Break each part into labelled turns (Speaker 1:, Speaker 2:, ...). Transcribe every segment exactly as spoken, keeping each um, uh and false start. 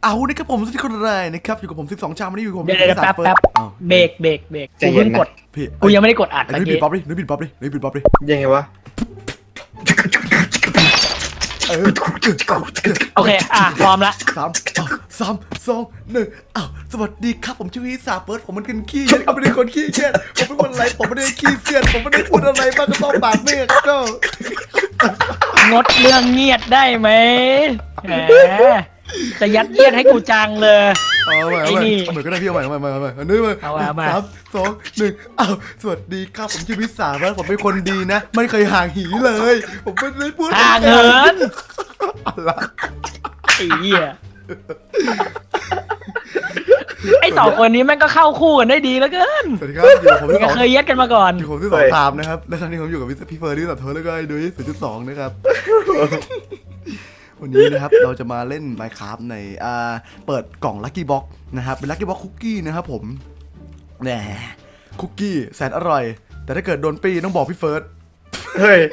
Speaker 1: เอานี่ครับผมสุดที่คนแรกนะครับอยู่กับผมสิบสองชามวันนี้อยู่กับผม
Speaker 2: เดี๋ยวเดี๋ยวแป๊บแป๊บเบรกเบรกเบรกกูเพิ่งกด
Speaker 1: พี่
Speaker 2: กูยังไม่ได้กดอัด
Speaker 1: ไอ้
Speaker 2: ตะ
Speaker 1: นุ้ยปิ
Speaker 2: กี้
Speaker 1: ดป๊อปดินุ้ยปิดป๊อปดินุ้ยปิดป๊อปดิ
Speaker 3: ยังไงวะ
Speaker 1: เออ
Speaker 2: โอเคอ่ะพร้อมละ
Speaker 1: สามสามสองหนึ่งอ้าวสวัสดีครับผมชื่อวิสาเปิร์ดผมมันเป็นขี้ผมไม่ได้คนขี้เกียจผมเป็นคนอะไรผมไม่ได้ขี้เกียจผมไม่ได้พูดอะไรบ้างก็ต้องปากเมฆก็
Speaker 2: งดเรื่องเงียบได้ไหมแหมจะยัดเยียดให้กูจังเลย
Speaker 1: เอาใหม่เอาใหม่เอาใหม่ก็ได้พี่เอาใหม่เอาใหม่เอาใหม่อันนี้มา
Speaker 2: เอาใหม่เอาใหม่
Speaker 1: สามสองหนึ่งอ้าวสวัสดีครับผมชื่อวิสาเปิร์ดผมเป็นคนดีนะไม่เคยห่างหีเลย ผมไม่ได้พูด
Speaker 2: ห่างเหิน
Speaker 1: อะไร
Speaker 2: ไอ้เหี้ยไอ้สองคนนี้แม่งก็เข้าคู่กันได้ดีแล้วเกิน
Speaker 1: สวัสดีครับอยู่กับผมที่สอง
Speaker 2: เคยยัดกันมาก่อน
Speaker 1: อยู่ผมที่สองตามนะครับและครั้งนี้ผมอยู่กับพี่เฟิร์นที่สับเทอร์แล้วก็ไอ้ดุ้ยศูนย์จุดสองนะครับ วันนี้นะครับเราจะมาเล่น Minecraft ในอ่าเปิดกล่อง Lucky Box นะครับเป็น Lucky Box คุกกี้นะครับผมแหมคุกกี้แสนอร่อย แต่ถ้าเกิดโดนปีต้องบอกพี่เฟิร์ส
Speaker 3: เฮ้ย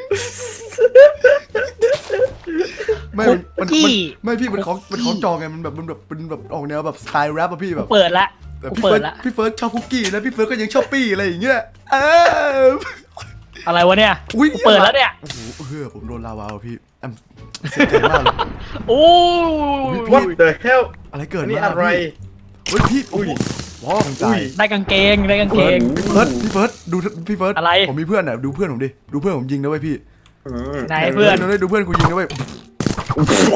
Speaker 1: ไม่
Speaker 2: คุก
Speaker 1: มัน
Speaker 2: กี้
Speaker 1: มันไม่พี่มันของมันของจองไงมันแบบมันแบบเป็นแบบออกแนวแบบสไตล์แรปอะพี่แบบ
Speaker 2: เปิดละ
Speaker 1: แต่
Speaker 2: กู
Speaker 1: พี่
Speaker 2: เปิ
Speaker 1: เฟิ
Speaker 2: ด
Speaker 1: ร์ส
Speaker 2: ละ
Speaker 1: พี่เฟิร์สชอบคุกกี้แล้วพี่เฟิร์สก็ยังชอบปี้อะไรอย่างเงี้ยเออ
Speaker 2: อะไรวะเนี่ย
Speaker 1: อุ๊ย
Speaker 2: กูเปิดแล้วเนี่ย
Speaker 1: โอ้โหเฮ้ยผมโดนลาวาว่ะพี่แอมเสียใจมากเลย
Speaker 2: โอ้
Speaker 3: What the hell
Speaker 1: อะไรเกิด
Speaker 3: อันนี้
Speaker 1: มา
Speaker 3: อะไร
Speaker 1: เฮ้ยพี่โอ้โหว้าวทางใจ
Speaker 3: อุ้ย
Speaker 2: ได้กางเกงได้กางเกง
Speaker 1: พี่เฟิร์สพี่เฟิร์สดูพี่เฟิร์ส
Speaker 2: อะไร
Speaker 1: ผมมีเพื่อนอ่ะดูเพื่อนผมดิดูเพื่อนผมยิงนะเว้ยพี่
Speaker 3: อืม
Speaker 2: ไหนเพื่อน
Speaker 1: ดูดูเพื่อนกูยิงนะเว้ย
Speaker 3: โอ้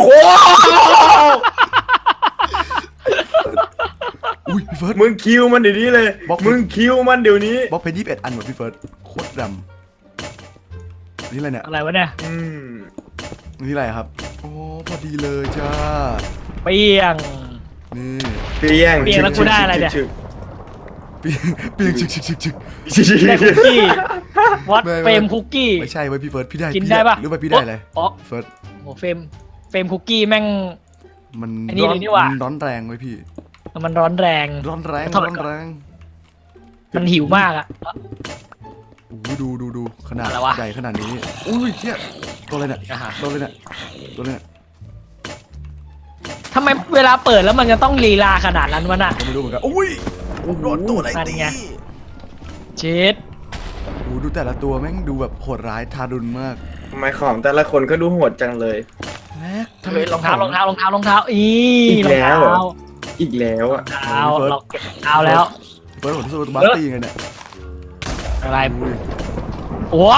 Speaker 1: อุ้ยพี่เฟิร์ส
Speaker 3: มึงคิวมันเดี๋ยวนี้เลย
Speaker 1: บล็อก
Speaker 3: มึงคิวมันเดี๋ยวนี้
Speaker 1: บล็อกเพชรยี่สิบเอ็ดอันหมดพี่เฟิร์สโคตรดำนี่อะไรเนี่ย
Speaker 2: อะไรวะเนี่ย
Speaker 3: อืม
Speaker 1: นี่อะไรครับโอ้พอดีเลยจ้า
Speaker 2: เปี้ยง
Speaker 1: นี่
Speaker 3: เปรี้ยง
Speaker 2: เปรี้ยงแล้วกูได้อะไรเนี่ย
Speaker 3: ชึก
Speaker 1: ปีปีชึกชึกชึกชึก
Speaker 3: ชึกชึก
Speaker 2: ได้คุกกี้วัด
Speaker 1: ไม่ไม่
Speaker 2: เฟรมคุกกี้
Speaker 1: ไม่ใช่เว้ยพี่เฟิร์สพี่ได้
Speaker 2: กิน
Speaker 1: พี่
Speaker 2: ได้ปะ
Speaker 1: หรือว่าพี่ได้อะไร
Speaker 2: อ๋อ
Speaker 1: เฟิร์ส
Speaker 2: โหเฟรมเฟรมคุกกี้แม่ง
Speaker 1: มัน
Speaker 2: อันนี้
Speaker 1: ร้อน
Speaker 2: เลยนี่หว่ามั
Speaker 1: นร้อนแรงเว้ยพี่
Speaker 2: มันร้อนแรง
Speaker 1: ร้อนแรง
Speaker 2: เท่าไหร่
Speaker 1: ร้อนแรง
Speaker 2: มันหิวมากอะ
Speaker 1: โอ้โหดูดูดูขนาด
Speaker 2: อะไรวะ
Speaker 1: ใหญ่ขนาดนี้อุ้ยเชี่ยตัวอะไรเนี่ย
Speaker 2: อ่าฮะ
Speaker 1: ตัวอะไรเนี่ยตัวอะไรเนี่ย
Speaker 2: ทำไมเวลาเปิดแล้วมันจะต้องลีลาขนาดนั้นวะน่ะ
Speaker 1: ก็ไม่รู้เหมือนกันอุ้ยโดนตัวอะไร
Speaker 2: นั่น
Speaker 1: ตี
Speaker 2: ไง เช็ด
Speaker 1: โอ้โหดูแต่ละตัวแม่งดูแบบโหดร้ายทารุณมาก
Speaker 3: ทำไมของแต่ละคนก็ดูโหดจังเลย
Speaker 1: แม็กทำไม
Speaker 2: เฮ้ยรองเท้ารองเท้ารองเท้ารองเท้าอี
Speaker 3: อีก
Speaker 2: รอง
Speaker 3: แล้ว
Speaker 2: เท้า
Speaker 3: เหรอ อีกแล้วอ่ะ
Speaker 2: เท้าเราเก็บเท้าแล้ว
Speaker 1: เฟิร์สผมสู้ตัวบัสตี้ไงเนี่ย
Speaker 2: อะไร
Speaker 1: อุ้ย
Speaker 2: โอ้โห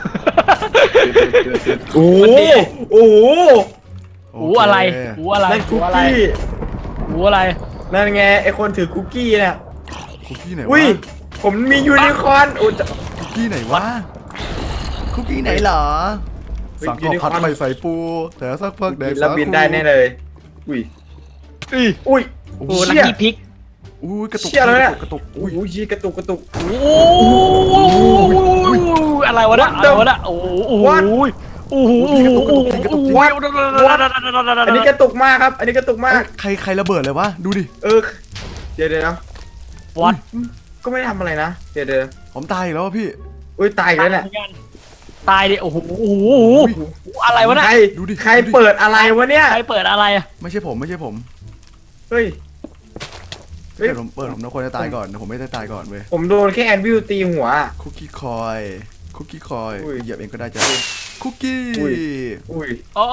Speaker 3: โอ้โหโอ้โห
Speaker 2: หูอะไรหูอะไร
Speaker 3: นั่น
Speaker 2: หู
Speaker 3: คุก
Speaker 2: อะไร
Speaker 3: กี้
Speaker 2: หูอะไร
Speaker 3: นั่นไงไอคนถือคุกกี้เนี่ย
Speaker 1: คุกกี้ไหน
Speaker 3: อุ้ยว
Speaker 1: ะ
Speaker 3: ผมมียูนิคอร์นโอ้จะ
Speaker 1: คุกกี้ไหนวะคุกกี้ไหนเหรอ
Speaker 3: เฮ้ย
Speaker 1: สั่ง
Speaker 3: ยู
Speaker 1: ข้าว
Speaker 3: นิคอ
Speaker 1: ผั
Speaker 3: ร์
Speaker 1: ด
Speaker 3: น
Speaker 1: ไม่ใส่ปูแต่สักพักแดก
Speaker 3: แล้วบินได้แน่เลย อุ้ย
Speaker 2: อุ้ย
Speaker 3: อุ้ย
Speaker 2: โอ้ลักกี้พิก
Speaker 1: อุ้ยกระตุก
Speaker 3: เชี่ยแล้วเนี่ย
Speaker 1: กระตุก
Speaker 3: อุ้
Speaker 1: อุ้
Speaker 3: ย
Speaker 1: ย
Speaker 3: ชี้กระตุกกระตุก
Speaker 2: โอ้อะไรวะเนี่ยอะไรวะเนี่ยโอ้โหโอ้โห
Speaker 3: What?
Speaker 2: โอ้โหโอ้โหโอ้โหโอ้โห
Speaker 3: อันนี้กระตุกมากครับ อันนี้กระตุกมาก
Speaker 1: ใครใครระเบิดเลยวะดูดิ
Speaker 3: เออ เดี๋ยวเดี๋ยวนะ
Speaker 2: วัด
Speaker 3: ก็ไม่ได้ทำอะไรนะ เดี๋ยวเดี๋ยว
Speaker 1: ผมตายอีกแล้วอะพี่
Speaker 3: อุ้ยตายอีกแล้วเนี่ย
Speaker 2: ตายดิโอ้โหโอ้โหอะไรวะเนี่ย
Speaker 3: ใคร
Speaker 1: ดูดิ
Speaker 3: ใคร
Speaker 1: ดูดิ
Speaker 3: เปิดอะไรวะเนี่ย
Speaker 2: ใครเปิดอะไรอะ
Speaker 1: ไม่ใช่ผมไม่ใช่ผม
Speaker 3: เฮ้ย เฮ้ย
Speaker 1: เปิดผมเปิดผมนะคนจะตายก่อนแต่ผมไม่ได้ตายก่อนเว้ย
Speaker 3: ผมโดนแค่แอนวิวตีหัว
Speaker 1: คุกกี้คอยคุกกี้คอย
Speaker 3: อุ้ย
Speaker 1: เหยียบเองก็ได้จ้ะคุกกี้
Speaker 3: อุ้ย อุ้ย
Speaker 2: โอ้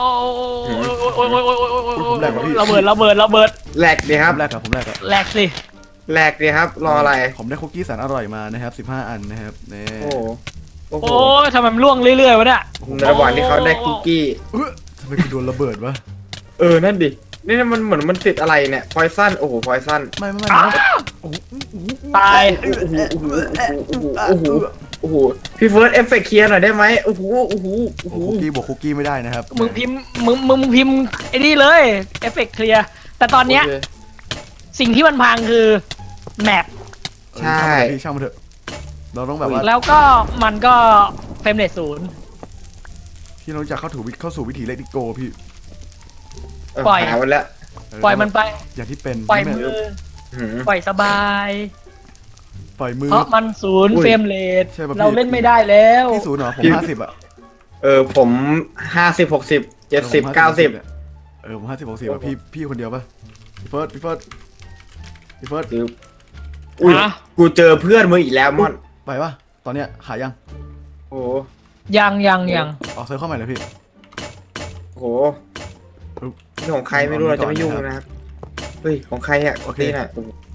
Speaker 2: ระเบิดระเบิดระเบิด
Speaker 3: แหลกดีค
Speaker 1: ผ
Speaker 3: รับ
Speaker 1: มแรกครับผมแรกครับ
Speaker 2: แหลกสิ
Speaker 3: แหลกดีครับ รออะไร
Speaker 1: ผมได้คุกกี้แสนอร่อยมานะครับสิบห้าอันนะครับนี่
Speaker 3: โอ้โหโอ้โห
Speaker 2: โอ้ยทำไมมันล่วงเรื่อยๆวะเนี่ย
Speaker 3: ในระหว่างที่เขาได้คุกกี้
Speaker 1: เออทำไมกูโดนระเบิดวะ
Speaker 3: เออ นั่นดิ นี่มันเหมือนมันติดอะไรเนี่ย พอยซัน โอ้โห พอยซัน
Speaker 1: ไม่ไม่ไม่ไม่โอ้โห
Speaker 2: ตาย
Speaker 3: โอ้โห โอ้โห โอ้โห โอ้โห โอ้โห พี่เฟิร์สเอฟเฟกต์เคลียร์หน่อยได้ไหมโอ้โห โอ้โห โอ้โห
Speaker 1: คุกกี้บวกคุกกี้ไม่ได้นะครับ
Speaker 2: มึงพิมพ์มึงมึงพิมพ์ไอ้นี่เลยเอฟเฟกต์เคลียร์แต่ตอนเนี้ย
Speaker 3: โอเค
Speaker 2: สิ่งที่มันพังคือแมป
Speaker 1: เออ
Speaker 3: ใช่
Speaker 1: ช่างมันเถอะพี่ช่างมันเถอะเราต้องแบบว่า
Speaker 2: แล้วก็มันก็เฟรมเรทศูนย์
Speaker 1: พี่เราจะเข้าถูเข้าสู่วิถีเลดิโกพี่
Speaker 3: เออ
Speaker 2: ปล่อย
Speaker 3: หาวันแล้ว
Speaker 1: เ
Speaker 2: ปล่อยมันไป
Speaker 1: อย่างที่เป็น
Speaker 2: ปล่อย
Speaker 1: ใช่
Speaker 2: มื
Speaker 1: ไห
Speaker 2: อ
Speaker 3: หืม
Speaker 2: ปล่อยสบาย
Speaker 1: ปล่อยมือ
Speaker 2: เพราะมันศูนย์
Speaker 3: อุ้ย
Speaker 2: เฟรมเรท
Speaker 1: ใช่ป่ะพี่
Speaker 2: เราเล่นไม่ได้แล้ว
Speaker 1: พี่ศูนย์เหรอผม
Speaker 3: พี่
Speaker 1: ห้าสิบอะ
Speaker 3: เออ ผมห้าสิบหกสิบเจ็ดสิบเก้าสิบ
Speaker 1: เออผมห้าสิบหกสิบพี่พี่คนเดียวปะพี่เฟิร์สพี่เฟิร์สพี่เฟิร์ส
Speaker 3: คืออุ้ย
Speaker 2: ฮะ
Speaker 3: กูเจอเพื่อนมึงอีกแล้วมอน
Speaker 1: ไปปะตอนเนี้ยหายัง
Speaker 3: โอ้
Speaker 2: ยังยังยัง
Speaker 1: ออกเซิร์ฟเข้าใหม่เลยพี่
Speaker 3: โหนี่ของใครไม่รู้เราจะไม่ยุ่งนะครับเฮ้ยของใครอ่ะนี่น่ะ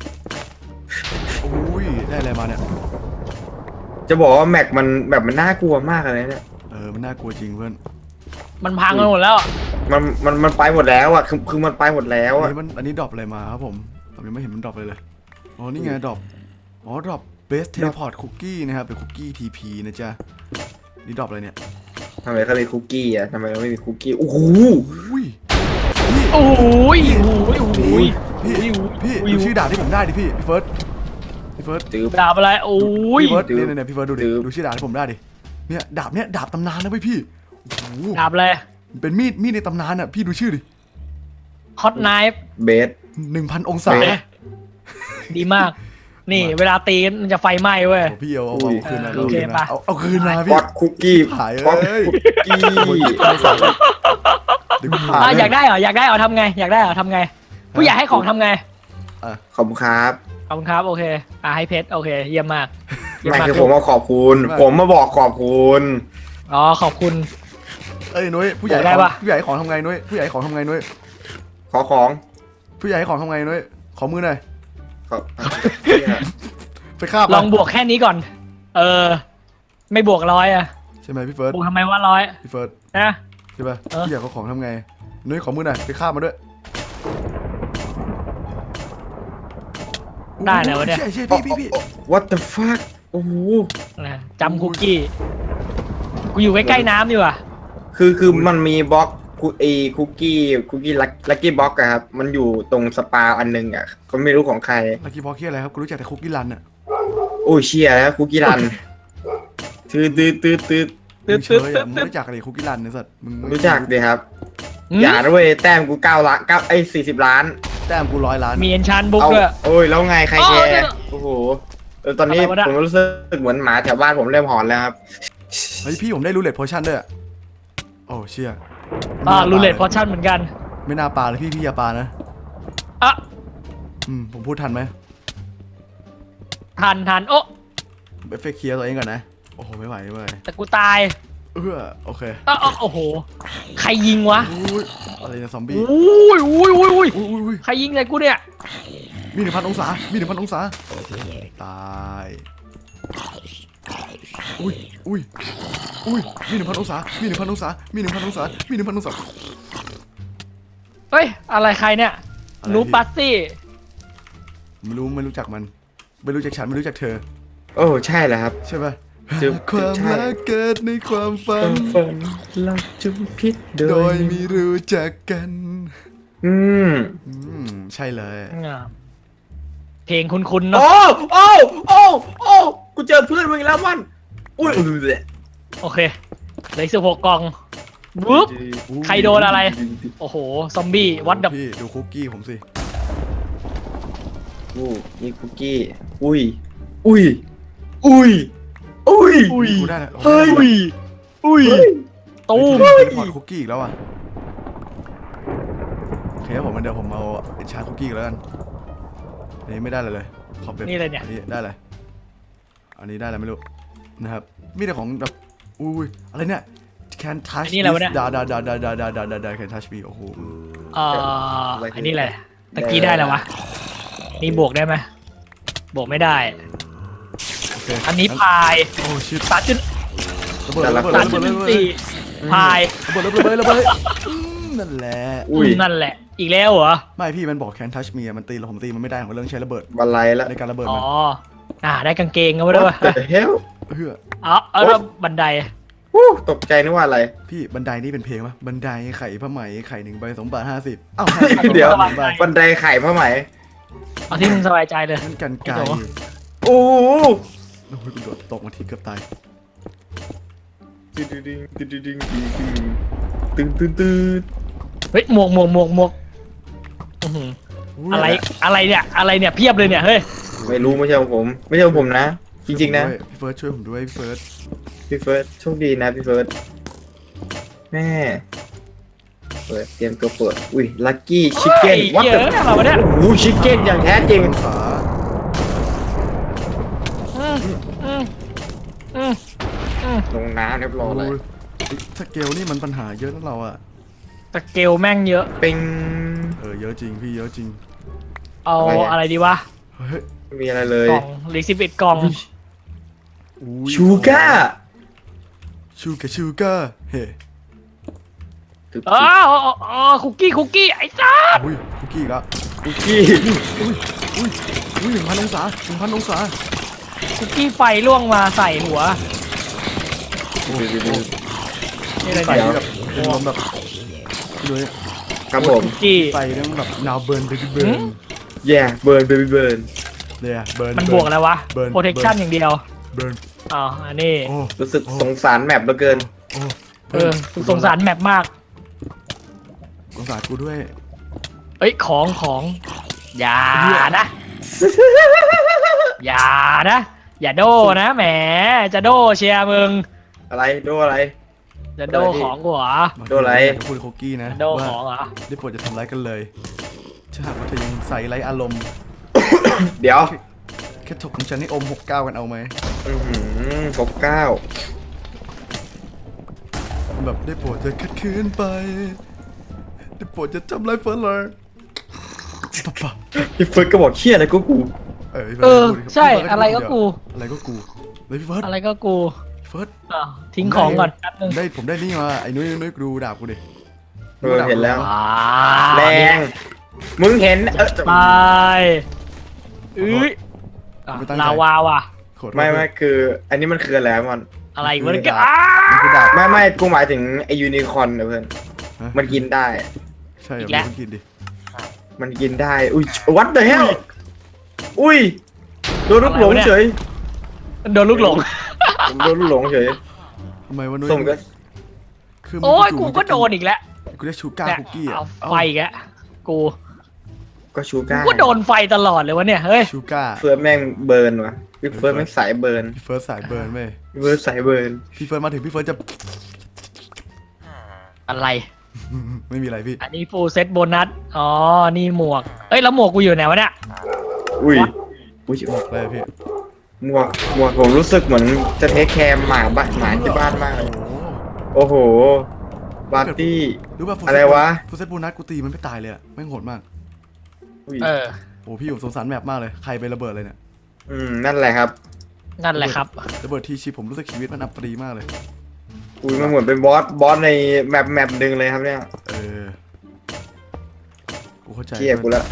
Speaker 1: อุ้ยได้อะไรมาเนี่ย
Speaker 3: จะบอกว่าแม็กมันแบบมันน่ากลัวมากเลยเนี่ย
Speaker 1: เออมันน่ากลัวจริงเพื่อน
Speaker 2: มันพังกันหมดแล้ว
Speaker 3: มันมันมันไปหมดแล้วอ่ะคือคือมันไปหมดแล้ว
Speaker 1: อัน
Speaker 3: อ่ะ
Speaker 1: นี้มันอันนี้ดรอปอะไรมาครับผมผมยังไม่เห็นมันดรอปเลยเลยอ๋อนี่ไงดรอปอ๋อดรอปเบสเทเลพอร์ตคุกกี้นะครับเป็นคุกกี้ทีพีนะจ๊ะนี่ดรอปอะไรเนี่ย
Speaker 3: ทำไมเขามีคุกกี้อ่ะทำไมเราไม่มีคุกกี้โอ้โห
Speaker 1: อุ้ยพี่
Speaker 2: โอ้ยโอ้ยโอ้ย
Speaker 1: พี่พี่ดูชื่อดาบที่ผมได้ดิพี่พี่เฟิร์สพี่เฟิร์ส
Speaker 3: ตื้อ
Speaker 2: ดาบอะไรโอ้ย
Speaker 1: พี่เฟิร์ส
Speaker 3: ดื้อ
Speaker 1: เนี่ยเนี่ยพี่เฟิร์สดูดิ
Speaker 3: ดื้อ
Speaker 1: ดูชื่อดาบที่ผมได้ดิเนี่ยดาบเนี่ยดาบตำนานนะเว้ยพี่โอ้โห
Speaker 2: ดาบอะไร
Speaker 1: เป็นมีดมีดในตำนานอ่ะพี่ดูชื่อดิ
Speaker 2: ฮอตไนฟ์
Speaker 3: เบส
Speaker 1: หนึ่งพันองศา
Speaker 3: เบส
Speaker 2: ดีมาก นี่เวลาตีมันจะไฟไหม้เว้ย
Speaker 1: โอ้พี่เอาเอา
Speaker 3: อุ้ย
Speaker 1: เอาคืนมา
Speaker 2: โอเค
Speaker 1: เอาคืนมา
Speaker 2: ปะ
Speaker 1: เอาเอาคืนมาพี่
Speaker 3: ป๊อตคุกกี้
Speaker 1: หาย
Speaker 3: ป๊อต
Speaker 1: เอ้ย
Speaker 3: คุกกี้
Speaker 1: เดี๋ยวกูผ่า
Speaker 2: อ่ะ
Speaker 1: น
Speaker 2: อยากได้เหรออยากได้เหรอทำไง อยากได้เหรอทำไง ผู้ใหญ่ให้ของทำไง
Speaker 3: ขอบคุณครับ
Speaker 2: ขอบคุณครับโอเคอ่ะให้เพชรโอเคเยี่ยมมากเยี่ยม
Speaker 3: ไม่
Speaker 2: มาก
Speaker 3: คือผมมาขอบคุณ ผมมาบอกขอบคุณ
Speaker 2: อ๋อขอบคุณ
Speaker 1: เอ้ยนุ้ยผู้ใหญ่
Speaker 2: ได้
Speaker 1: ของ
Speaker 2: ปะ
Speaker 1: ผู้ใหญ่ของทำไงนุ้ยผู้ใหญ่ของทำไงนุ้ย
Speaker 3: ขอของ
Speaker 1: ผู้ใหญ่ของทำไงนุ้ยขอมือหน่อย
Speaker 3: ขอ
Speaker 1: ไปคาบ
Speaker 2: ลองบวกแค่นี้ก่อน เออ ไม่บวกร้อยอะ
Speaker 1: ใช่ไหมพี่เฟิร์ส
Speaker 2: บวกทำไมว่าร้อย
Speaker 1: พี่เฟิร์ส
Speaker 2: นะ
Speaker 1: ใช่ป่ะ
Speaker 2: เออ
Speaker 1: ผู้ใหญ่เขาของทำไงนุ้ยขอมือหน่อยไปคาบมาด้วย
Speaker 2: ได้แล้ววะเนี่ย
Speaker 1: ใช่ใช่พี่พี่พี่
Speaker 3: What the fuck โอ้โห
Speaker 2: นะจำคุกกี้กูอยู่ใกล้ๆน้ำดีกว่า
Speaker 3: คือคือมันมีบล็อกคุเอคุกกี้คุกกี้ลักกี้บล็อกอะครับ มันอยู่ตรงสปาอันนึงอะก็ไม่รู้ของใคร
Speaker 1: ลักกี้บ็อกเคียอะไรครับกูรู้จักแต่คุกกี้รันอะ
Speaker 3: โอ้ยเชียแล้วคุกกี้รันตืดตืดตืดตืด
Speaker 2: ตึ๊
Speaker 1: มึ
Speaker 2: ด
Speaker 1: งเช
Speaker 2: ตึ๊ด
Speaker 1: ย
Speaker 2: ตึ๊
Speaker 1: อะ
Speaker 2: ด
Speaker 1: มึง
Speaker 2: ตึ๊ด
Speaker 1: รู้จักอะไรคุกกี้รันเนี่ยสัตว์มึงมึง
Speaker 3: รู้จักดิครับ
Speaker 2: อืม
Speaker 3: อย่าด้วยแต้มกูเก้าล้านเก้าไอ้สี่สิบล้าน
Speaker 1: แต้มกูร้อยล้าน
Speaker 2: มีเอนชานบุ๊ก
Speaker 3: เอา
Speaker 2: ด้วย
Speaker 3: โอ้ยแล้วไงใคร
Speaker 2: อ๋อ
Speaker 3: แค
Speaker 2: เนี่
Speaker 3: ร์
Speaker 2: ย
Speaker 3: โอ้โหเออตอนนี้
Speaker 2: อะไรวะเนี่ย
Speaker 3: ผมรู้สึกเหมือนหมาแถวบ้านผมเริ่มหอนแล้วครับ
Speaker 1: เฮ้ยพี่ผมได้รูเล็ตโพชั่นด้วยอะโอ้เชี่ย
Speaker 2: อ่ารูเล็ตพอชั่นเหมือนกัน
Speaker 1: ไม่น่าปลาเลยพี่พี่อย่าปลานะ
Speaker 2: อ่ะ
Speaker 1: อืมผมพูดทันไหม
Speaker 2: ทันทันโอ้
Speaker 1: เอฟเฟกต์เคลียร์ตัวเองก่อนนะโอ้โหไม่ไหวไม่ไหว
Speaker 2: แต่กูตาย
Speaker 1: เออโอเค
Speaker 2: อ้าวอ้าวโอ้โห ใครยิงวะ
Speaker 1: อุ้ยอะไรนะซอมบี้
Speaker 2: อุ้ยอุ้ยอุ้ยอุ้ย
Speaker 1: อุ้ยอุ้ยอุ้ย
Speaker 2: ใครยิงใส่กูเนี่ย
Speaker 1: มีหนึ่งพันองศามีหนึ่งพันองศาตายอุ้ยอุ้ยอุ้ยมีหนึ่งพันองศามีหนึ่งพันองศามีหนึ่งพันองศามีหนึ่งพันองศา
Speaker 2: เฮ้ย อะไรใครเนี่ย
Speaker 1: อะไร
Speaker 2: นู
Speaker 1: พี่
Speaker 2: ปัสซี่
Speaker 1: ไม่รู้ไม่รู้จักมันไม่รู้จักฉันไม่รู้จักเธอ
Speaker 3: โอ้ใช่แล้วครับ
Speaker 1: ใช่ป่ะ
Speaker 3: จะ
Speaker 1: ความ
Speaker 3: ใช่
Speaker 1: รักเกิดในความฝัน
Speaker 3: ฝันเราจุพิษโด
Speaker 1: โด
Speaker 3: ย
Speaker 1: ยไม่รู้จักกัน
Speaker 3: อืม
Speaker 1: อืมใช่เลย
Speaker 2: อ่าเพลงคุ้นๆเนาะ
Speaker 3: โอ้โอ้โอ้โอ้กูเจอเพื่อนมึงอีกแล้วมันอุ้ยอือเลย
Speaker 2: โอเคเหลือสิบหกกล่องวุ๊บ ใครโดนอะไร โอ้โห ซอมบี้ วัดดับ
Speaker 1: พี่ดูคุกกี้ผมสิ
Speaker 3: อู้นี่คุกกี้อุ้ยอุ้ยอุ้ยอุ้ย
Speaker 2: อุ้ย
Speaker 1: กูได้แล้ว
Speaker 3: เฮ้ย
Speaker 2: อุ้ย อุ้ย ตูม
Speaker 1: เฮ้ยพอร์ตคุกกี้อีกแล้วอ่ะโอเคครับผมเดี๋ยวผมเอาเอ็นชาร์คุกกี้แล้วกันอันนี้ไม่ได้เลยเลยขอบเป็น
Speaker 2: นี่เลยเนี่ย
Speaker 1: อันนี้ได้เลยอันนี้ได้อะไรไม่รู้นะครับมีแต่ของแบบอุ้ยอะไรเนี่ย can touch
Speaker 2: อันนี้อะไรวะเนี่ย
Speaker 1: ดาดาดาดาดาดาดาดาดา can touch me โอ้โห
Speaker 2: เอ่ออันนี้แหละตะกี้ได้แล้ววะ นี่บวกได้ไหมบวกไม่ได้
Speaker 1: โอเค
Speaker 2: อันนี้พาย
Speaker 1: โอ้ชิต
Speaker 2: สามจุด
Speaker 1: ระเบิดระเบิด
Speaker 2: สาม
Speaker 1: ระ
Speaker 2: จุ
Speaker 1: เบิ
Speaker 2: ด
Speaker 1: ด
Speaker 2: ห
Speaker 1: ระ
Speaker 2: นึ่ง
Speaker 1: เบิด
Speaker 2: สี่พาย
Speaker 1: ระเบิดระเบิดระเบิดระเบิดอืมนั่นแหละ
Speaker 3: อุ้ย
Speaker 2: นั่นแหละ อีกแล้วเหรอ
Speaker 1: ไม่พี่มันบอก can touch me อะมันตีเราผมตีมันไม่ได้ของเรื่องใช้ระเบิด
Speaker 3: บันไลแล้ว
Speaker 1: ในการระเบิด
Speaker 2: อ๋
Speaker 1: มั
Speaker 2: อ
Speaker 1: น
Speaker 2: อ่า ได้กางเกงกันไว้ด้วยวะ
Speaker 3: What the hell
Speaker 1: เฮ้ย
Speaker 2: อ๋อเอาแล้วบันได
Speaker 3: วู้ตกใจนึกว่าอะไร
Speaker 1: พี่บันไดนี่เป็นเพลงปะบันไดไข่ผ้าไหมไข่หนึ่งใบสองบาทห้าสิบอ้าว
Speaker 3: เดี๋ยว
Speaker 1: ห้าสิบบาท
Speaker 3: บันไดไข่ผ้าไหม
Speaker 2: เอาที่มึงสบายใจเลย
Speaker 1: นั่นกันไกล
Speaker 2: โอ้โห
Speaker 3: โอ้โห
Speaker 1: โอ้ยกูโดดตกมาทีเกือบตาย
Speaker 3: ตึ๊ดตึ๊ดตึ๊ดตึ๊ดตึ๊ดตึ๊ดตึ๊ดตึ๊ด
Speaker 2: เฮ้ย หมวกหมวกหมวกหมวกอื้อหืออะไร อะไรเนี่ย อะไรเนี่ย เพียบเลยเนี่ย เฮ้ย
Speaker 3: ไม่รู้ไม่ใช่ของผม ไม่ใช่ของผมนะ จริงๆนะ
Speaker 1: พี่เฟิร์สช่วยผมด้วยพี่เฟิร์ส
Speaker 3: พี่เฟิร์สโชคดีนะพี่เฟิร์สแม่ปิดเตรียมตัวเปิดอุ้ยลัคกี้ชิคเก้น
Speaker 2: วั
Speaker 3: วั
Speaker 2: ด
Speaker 3: ด
Speaker 2: เยอะอะไรวะเนี่ย
Speaker 3: โอ้ชิคเก้นอย่างแท้จริง
Speaker 1: องศา
Speaker 2: อืมอืมอืมอืม
Speaker 3: ลงน้ำเรียบร้อยเลย
Speaker 1: โอ้ยสเกลนี่มันปัญหาเยอะนะเราอะ
Speaker 2: สเกลแม่งเยอะ
Speaker 3: เป็น
Speaker 1: เออเยอะจริงพี่เยอะจริง
Speaker 2: เอา
Speaker 3: อะไรอะ
Speaker 2: อะไรดีวะ
Speaker 1: เฮ้ย
Speaker 3: ไม่มีอะไรเลย
Speaker 2: กล่องหรือสิบเอ็ดกล่อง
Speaker 1: อุ้ย
Speaker 3: ชูก้า
Speaker 1: ชูกาชูก้าเฮ้
Speaker 3: ตึ๊บ
Speaker 2: อ๋ออ๋ออ๋อคุกกี้คุกกี้ไอ้ซ่า
Speaker 1: อุ้ยคุกกี้อีกแล้ว
Speaker 3: คุกกี้
Speaker 1: อุ้ยอุ้ยอุ้ยหนึ่งพันองศาหนึ่งพันองศา
Speaker 2: คุกกี้ไฟล่วงมาใส่หัว
Speaker 1: โอ้โห
Speaker 2: นี่อะไร
Speaker 1: ใส่
Speaker 2: เนี่ย
Speaker 1: แบบเป็นลมแบบเลย
Speaker 3: ครับผม
Speaker 2: คุกกี้
Speaker 1: ใส่เรื่องแบบนาวเบิร์นเบบี้เบิร์น
Speaker 3: แย่เบิร์นเบบี้เบิร์น
Speaker 1: เนี่ยเบิร์น
Speaker 2: มันบวกอะไรวะ
Speaker 1: เบิร์น
Speaker 2: protection อย่างเดียว
Speaker 1: เบิร์น
Speaker 2: อ๋ออันนี้
Speaker 1: โอ้
Speaker 3: รู้สึกสงสารแมปเหลือเกิน
Speaker 1: โอ้
Speaker 2: เออสงสารแมปมาก
Speaker 1: สงสารกูด้วย
Speaker 2: เอ้ยของของอย่านะ อย่านะ อย่าโดนะแหมจะโดเชียร์มึง
Speaker 3: อะไรดูอะไร
Speaker 2: จะโดของกูเหรอ
Speaker 3: โดนอะไร
Speaker 1: จะพูดคุกกี้นะ
Speaker 2: โด
Speaker 1: ว่า
Speaker 2: ของเหรอ
Speaker 1: ได้โปรดจะทำร้ายกันเลยถ้าหากว่าเธอยังใส่ไร้อารมณ์
Speaker 3: เดี๋ยว
Speaker 1: แค่ถกของฉันให้อมหกเก้ากันเอาไหม
Speaker 3: อือหือหกเก้า
Speaker 1: แบบได้โปรดจะขัดขืนไปได้โปรดจะทำร้ายเฟิร์สเลยปะปะ
Speaker 3: พี่เฟิร์สก็บอกเชี่ยอะไรก็กู
Speaker 1: เออพี่
Speaker 2: เอ
Speaker 1: ฟิร์ส
Speaker 2: อ
Speaker 1: พูดดิครับ
Speaker 2: ใช่
Speaker 1: พี่เฟิ
Speaker 2: อะไร
Speaker 1: พู
Speaker 2: ก็
Speaker 1: ด
Speaker 2: กู
Speaker 1: อะไรก็กูเลยพี่เฟิร์ส
Speaker 2: อะไรก็กู
Speaker 1: พี่เฟิร์ส
Speaker 2: อ้าวทิ้งของก่อนแป๊บนึง
Speaker 1: ได้ผมได้นี่มาไอ้นุ้ยนุ้ยดูดาบกูดิ
Speaker 3: เออเห็นแล้ว
Speaker 2: อ่า
Speaker 3: แรงมึงเห็นเออ
Speaker 2: ไปอุ้ยอ่ะลาวาว่ะ
Speaker 1: โคตร
Speaker 3: ไม่ไม่คือ อันนี้มันคืออะไรมัน
Speaker 2: อะไรวะเนี่ยอ้า
Speaker 1: มันคือดาบ
Speaker 3: ไม่ไม่กูหมายถึงไอยูนิคอร์นนะเพื่อนมันกินได้
Speaker 1: ใช่เหรอไม่ต้องกินดิ
Speaker 3: มันกินได้ อุ้ยวัดเด hell อุ้ยโดนลูกหลงเฉย
Speaker 2: โดนลูกหลง
Speaker 3: ผมโดนลูกหลงเฉย
Speaker 1: ทำไมวะนุ้ย
Speaker 3: ส้มก็
Speaker 1: คือมึง
Speaker 2: โอ้ย
Speaker 1: จู่
Speaker 2: กู
Speaker 1: ๆ
Speaker 2: ก็
Speaker 1: จะ
Speaker 2: โดนอีกแล้ว
Speaker 1: กูได้ชูการ์
Speaker 2: เนี่ย
Speaker 1: คุกกี้อ่ะ
Speaker 2: เอาไฟอีกแล้วกู
Speaker 3: ก็ชู
Speaker 2: กู
Speaker 3: ก้า
Speaker 2: ก็โดนไฟตลอดเลยวะเนี่ยเฮ้ย
Speaker 1: ชูการ์
Speaker 3: เฟิร์สแม่งเบิร์นวะพี่เฟิร์สแม่งสายเบิร์น
Speaker 1: พี่เฟิร์สสายเบิร์นเว้ย
Speaker 3: พี่เฟิร์สสายเบิร์น
Speaker 1: พี่เฟิร์สมาถึงพี่เฟิร์สจะ
Speaker 2: อะไร
Speaker 1: ไม่มีอะไรพี่
Speaker 2: อันนี้ฟูลเซตโบนัสอ๋อนี่หมวกเอ้ยแล้วหมวกกูอยู่ไหนวะเนี่ย
Speaker 3: อุ้ยอุ้ย
Speaker 1: บอกเลยพี่
Speaker 3: หมวกหมวกผมรู้สึกเหมือนจะเทคแคร์หมาบ้านหมาที่บ้านมากเลย
Speaker 1: โอ้โห
Speaker 3: โอ้โหบาร์ตี้
Speaker 1: รู้ป่ะ
Speaker 3: อะไรวะ
Speaker 1: ฟูเซตบูนัสกูตีมันไม่ตายเลยอะแม่งโหดมาก
Speaker 3: อุ้ย
Speaker 2: เออ
Speaker 1: โอ้พี่ผมสงสารแมปมากเลยใครไประเบิดเลยเนี่ย
Speaker 3: อืมนั่นแหละครับ
Speaker 2: นั่นแหละครับ
Speaker 1: ระเบิดทีชีผมรู้สึกชีวิตมันอับปรีมากเลย
Speaker 3: อุ้ยมันเหมือนเป็นบอสบอสในแมปแมปหนึ่งเลยครับเนี่ย
Speaker 1: เออกูเข้าใจ
Speaker 3: เชี่ยกูละ